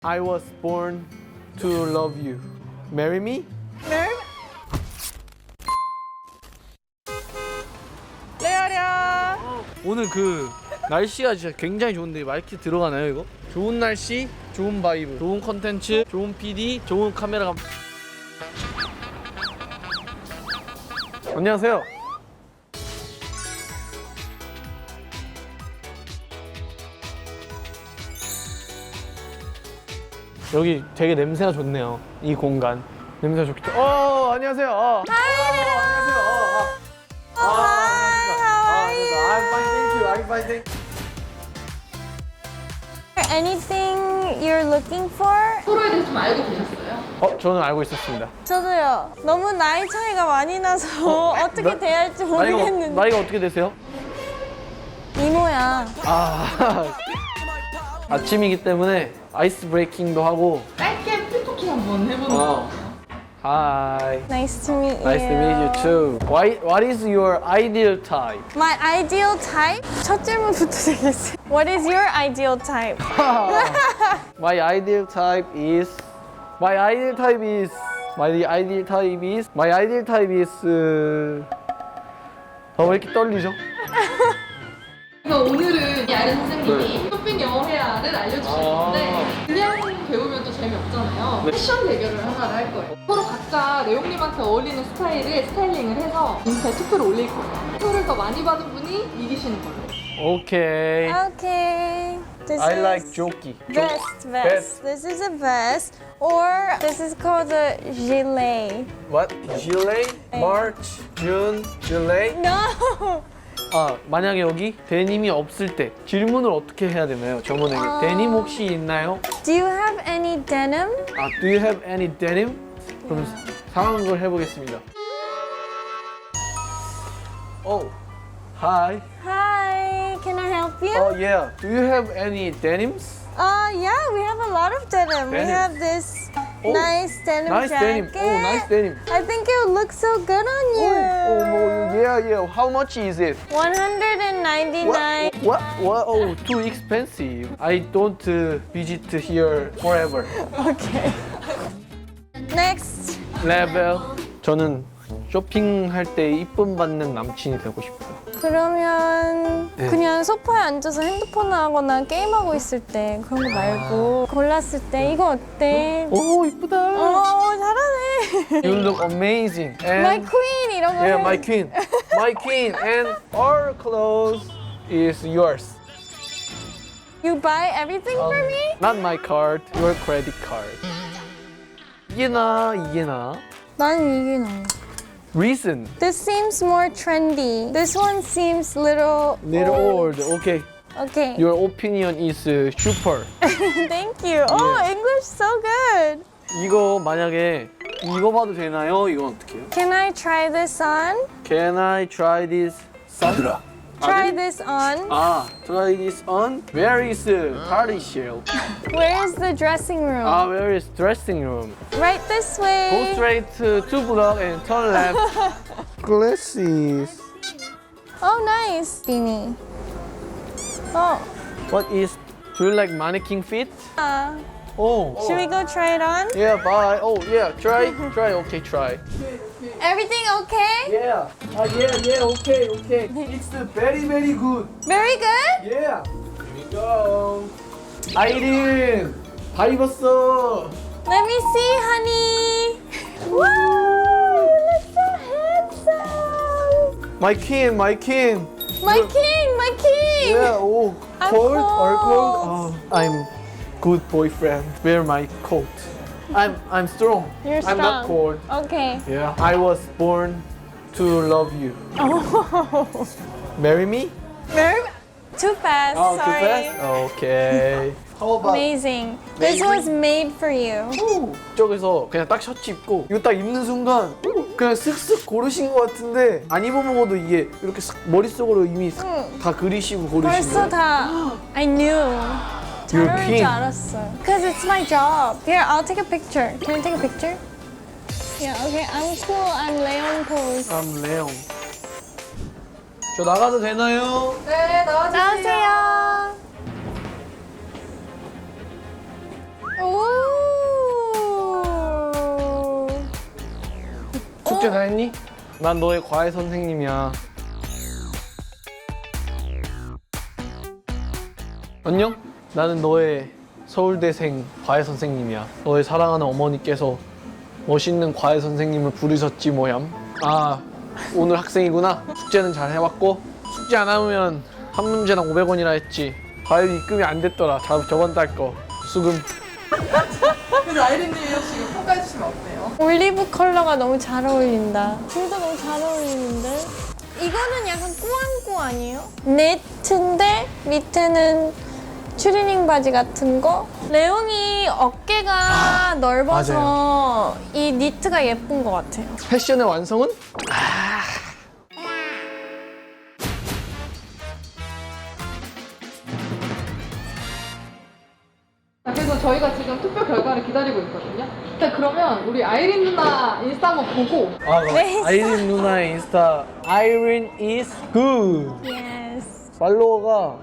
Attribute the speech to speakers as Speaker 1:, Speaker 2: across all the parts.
Speaker 1: I was born to love you. Marry me?
Speaker 2: 레아랴.
Speaker 1: 오늘 그 날씨가 진짜 굉장히 좋은데 마이크 들어가나요 이거? 좋은 날씨, 좋은 바이브, 좋은 컨텐츠, 좋은 PD, 좋은 카메라가. 안녕하세요. 여기 되게 냄새가 좋네요. 이 공간 냄새가 좋겠다. 안녕하세요. 안녕하세요. I'm fine, thank you. I'm fine, thank you.
Speaker 3: Anything you're looking for?
Speaker 2: 서로에 대해서 좀 알고 계셨어요?
Speaker 1: 저는 알고 있었습니다.
Speaker 3: 저도요. 너무 나이 차이가 많이 나서 어떻게 대해야 할지 모르겠는데.
Speaker 1: 나이가 어떻게 되세요?
Speaker 3: 이모야.
Speaker 1: 아침이기 때문에 아이스 브레이킹도 하고.
Speaker 2: 짧게 풀토킹 한번 해보는 거.
Speaker 1: Hi.
Speaker 3: Nice to meet you.
Speaker 1: Nice to meet you too. What is your ideal type?
Speaker 3: My ideal type? 첫 질문부터 되겠어요. What is your ideal type?
Speaker 1: My ideal type is. 왜 이렇게 떨리죠?
Speaker 2: 그래서 오늘은 야른 선생님이 쇼핑 영어 회화를 알려주셨는데 그냥 배우면 또 재미없잖아요. 패션 대결을 하나를 할 거예요. 서로 각자 레옹님한테 어울리는 스타일링을 해서 인스타에 투표를 올릴 거예요. 투표를 더 많이 받은 분이 이기시는 걸로.
Speaker 1: Okay.
Speaker 3: Okay. This
Speaker 1: I
Speaker 3: is
Speaker 1: like jokey.
Speaker 3: vest. This is a vest. Or this is called a gilet.
Speaker 1: What? Gilet? March, June, July?
Speaker 3: No!
Speaker 1: 만약에 여기 데님이 없을 때 질문을 어떻게 해야 되나요? 점원에게 데님 혹시 있나요?
Speaker 3: Do you have any denim?
Speaker 1: Do you have any denim? 그럼 상황을 해보겠습니다. Hi.
Speaker 3: Hi, can I help you?
Speaker 1: Yeah. Do you have any denims?
Speaker 3: Yeah, we have a lot of denim. We
Speaker 1: Denim.
Speaker 3: have this
Speaker 1: Oh,
Speaker 3: nice denim
Speaker 1: nice
Speaker 3: jacket.
Speaker 1: denim. Nice denim.
Speaker 3: I think it would look so good on you.
Speaker 1: Yeah. How much is it?
Speaker 3: 199.
Speaker 1: What? Too expensive. I don't visit here forever.
Speaker 3: Okay. Next.
Speaker 1: 레벨. 저는 쇼핑할 때 이쁨 받는 남친이 되고 싶어요.
Speaker 3: 그러면
Speaker 1: 네.
Speaker 3: 그냥 소파에 앉아서 핸드폰 하거나 게임하고 있을 때 그런 거 말고 골랐을 때 이거 어때?
Speaker 1: 오, 이쁘다.
Speaker 3: 잘하네.
Speaker 1: You look amazing. And
Speaker 3: My queen 이런 거.
Speaker 1: yeah,
Speaker 3: 해.
Speaker 1: my queen. My queen. And all clothes is yours.
Speaker 3: You buy everything for me?
Speaker 1: Not my card, your credit card. 이게 나.
Speaker 3: 나는 이게 나아.
Speaker 1: Reason.
Speaker 3: This seems more trendy. This one seems little
Speaker 1: old. Okay.
Speaker 3: Okay.
Speaker 1: Your opinion is super.
Speaker 3: Thank you. Oh, English so good.
Speaker 1: 이거 만약에 이거 봐도 되나요? 이건 어떻게 해요?
Speaker 3: Can I try this on?
Speaker 1: Can I try this? 아들아.
Speaker 3: Try this on.
Speaker 1: Try this on. Where is party shell?
Speaker 3: Where is the dressing room?
Speaker 1: Where is dressing room?
Speaker 3: Right this
Speaker 1: Go
Speaker 3: way.
Speaker 1: straight to 2 block and turn left. Glasses.
Speaker 3: Oh, nice. Beanie. Oh.
Speaker 1: What is? Do you like mannequin fit?
Speaker 3: Should we go try it on?
Speaker 1: Yeah, bye. Yeah. Try. Okay, try.
Speaker 3: Everything okay?
Speaker 1: Yeah. Okay. It's very good.
Speaker 3: Very good?
Speaker 1: Yeah. Here we go. 아이린, 다 입었어.
Speaker 3: Let me see, honey. Wow, you look so handsome.
Speaker 1: My king.
Speaker 3: My king.
Speaker 1: Yeah.
Speaker 3: I'm
Speaker 1: Cold or
Speaker 3: cold.
Speaker 1: cold? I'm good boyfriend. Wear my coat. I'm strong.
Speaker 3: You're
Speaker 1: I'm not
Speaker 3: strong.
Speaker 1: cold.
Speaker 3: Okay.
Speaker 1: Yeah. I was born to love you.
Speaker 3: Oh.
Speaker 1: Marry me?
Speaker 3: Too fast.
Speaker 1: Too
Speaker 3: Sorry.
Speaker 1: fast? Okay. How about
Speaker 3: Amazing. This was made for you.
Speaker 1: 저기서 그냥 딱 셔츠 입고 이거 딱 입는 순간 그냥 쓱쓱 고르신 것 같은데 안 입어먹어도 이게 이렇게 쓱 머릿속으로 이미 다 그리시고 고르신
Speaker 3: 벌써
Speaker 1: 거예요?
Speaker 3: 다 I knew. 잘
Speaker 1: You're
Speaker 3: 어울릴
Speaker 1: king.
Speaker 3: 줄 알았어요. Because it's my job. Here, I'll take a picture. Can I take a picture? Yeah, okay. I'm cool. I'm Leon pose.
Speaker 1: I'm 레옹. 저 나가도 되나요?
Speaker 2: 네, 나와주세요.
Speaker 3: 나오세요. 오,
Speaker 1: 숙제 다 했니? 난 너의 과외 선생님이야. 안녕? 나는 너의 서울대생 과외 선생님이야. 너의 사랑하는 어머니께서 멋있는 과외 선생님을 부르셨지 뭐얌. 아, 오늘 학생이구나. 숙제는 잘 해왔고 숙제 안 하면 한 문제당 500원이라 했지. 과외비 입금이 안 됐더라. 저번 달 거. 수금.
Speaker 2: 그래서 아이린님이 혹시 평가해 주시면 어때요?
Speaker 3: 올리브 컬러가 너무 잘 어울린다. 둘 다 너무 잘 어울리는데? 이거는 약간 꾸안꾸 아니에요? 네트인데 밑에는 추리닝 바지 같은 거? 레옹이 어깨가 넓어서 이 니트가 예쁜 것 같아요.
Speaker 1: 패션의 완성은?
Speaker 2: 자, 그래서 저희가 지금 투표 결과를 기다리고 있거든요. 일단 그러면 우리 아이린 누나 인스타 한번 보고
Speaker 3: 네.
Speaker 1: 아이린 누나의 인스타 Irene is good.
Speaker 3: Yes.
Speaker 1: 팔로워가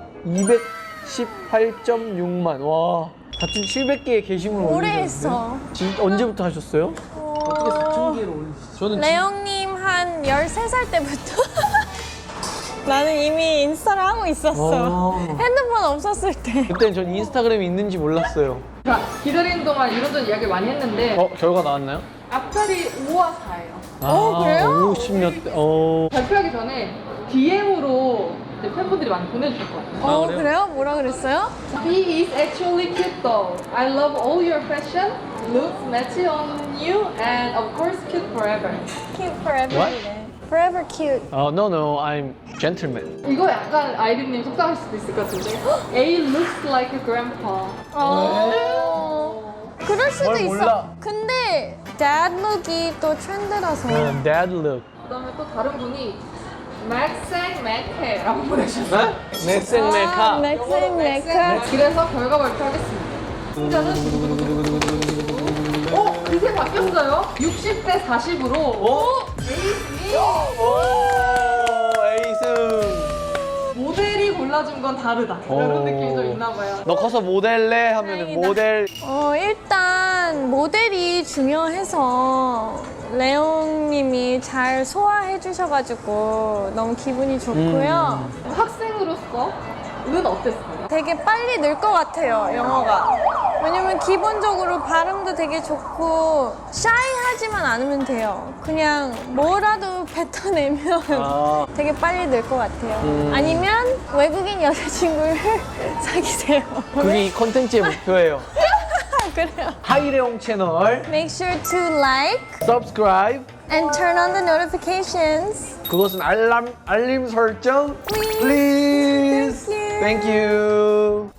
Speaker 1: 218.6만. 와, 4,700개의 게시물
Speaker 3: 오래
Speaker 1: 올리셨는데?
Speaker 3: 했어.
Speaker 1: 언제부터 하셨어요? 어떻게 4,000개를 올리셨어요? 저는
Speaker 3: 레옹님 한 13살 때부터 나는 이미 인스타를 하고 있었어. 핸드폰 없었을 때.
Speaker 1: 그때는 전 인스타그램이 있는지 몰랐어요.
Speaker 2: 자, 기다리는 동안 이런저런 이야기를 많이 했는데
Speaker 1: 결과 나왔나요?
Speaker 2: 앞자리 5와 4예요.
Speaker 3: 그래요?
Speaker 1: 50몇 대.
Speaker 2: 발표하기 전에 DM으로 팬분들이 많이 보내주셨거든요.
Speaker 1: 아, 그래요?
Speaker 3: 그래요? 뭐라 그랬어요?
Speaker 2: He is actually cute though. I love all your fashion, looks matchy on you, and of course cute forever.
Speaker 3: Cute forever.
Speaker 1: What?
Speaker 3: Forever cute.
Speaker 1: No, I'm gentleman.
Speaker 2: 이거 약간 아이린님 속상할 수도 있을 것 같은데. A looks like a grandpa.
Speaker 3: 그럴 수도
Speaker 1: 뭘
Speaker 3: 있어.
Speaker 1: 몰라.
Speaker 3: 근데 dad look이 또 트렌드라서.
Speaker 1: Dad look.
Speaker 2: 그다음에 또 다른 분이 맥생 맥해라고 보내주셨어요.
Speaker 1: 맥생 메카.
Speaker 3: 맥생 메카.
Speaker 2: 그래서 결과 발표하겠습니다. 승자는 그새 바뀌었어요. 60대 40으로 에이스님
Speaker 1: 에이스.
Speaker 2: 모델이 골라준 건 다르다. 이런 느낌이 좀 있나 봐요.
Speaker 1: 너 커서 모델래 하면
Speaker 3: 다행이다.
Speaker 1: 모델.
Speaker 3: 일단 모델이 중요해서 레옹님이 잘 소화해 주셔가지고 너무 기분이 좋고요.
Speaker 2: 학생으로서는 어땠어요?
Speaker 3: 되게 빨리 늘 것 같아요, 영어가. 왜냐면 기본적으로 발음도 되게 좋고 샤이하지만 않으면 돼요. 그냥 뭐라도 뱉어내면
Speaker 1: 아.
Speaker 3: 되게 빨리 늘 것 같아요. 아니면 외국인 여자친구를 사귀세요.
Speaker 1: 그게 이 컨텐츠의 목표예요.
Speaker 3: 그래요.
Speaker 1: 하이레옹 채널
Speaker 3: Make sure to like
Speaker 1: subscribe.
Speaker 3: and turn on the notifications.
Speaker 1: 그것은 알림 설정. Please.
Speaker 3: Thank
Speaker 1: Thank you.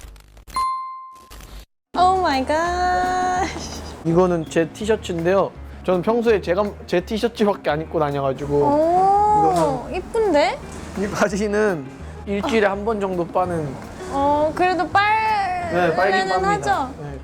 Speaker 3: Oh my gosh.
Speaker 1: 이거는 제 티셔츠인데요. 저는 평소에 제 티셔츠밖에 안 입고 다녀가지고
Speaker 3: 오, 이쁜데?
Speaker 1: 이 바지는 일주일에 한 번 정도 빠는.
Speaker 3: 그래도
Speaker 1: 네, 빨긴
Speaker 3: 빨면은
Speaker 1: 빱니다.
Speaker 3: 하죠.
Speaker 1: 네.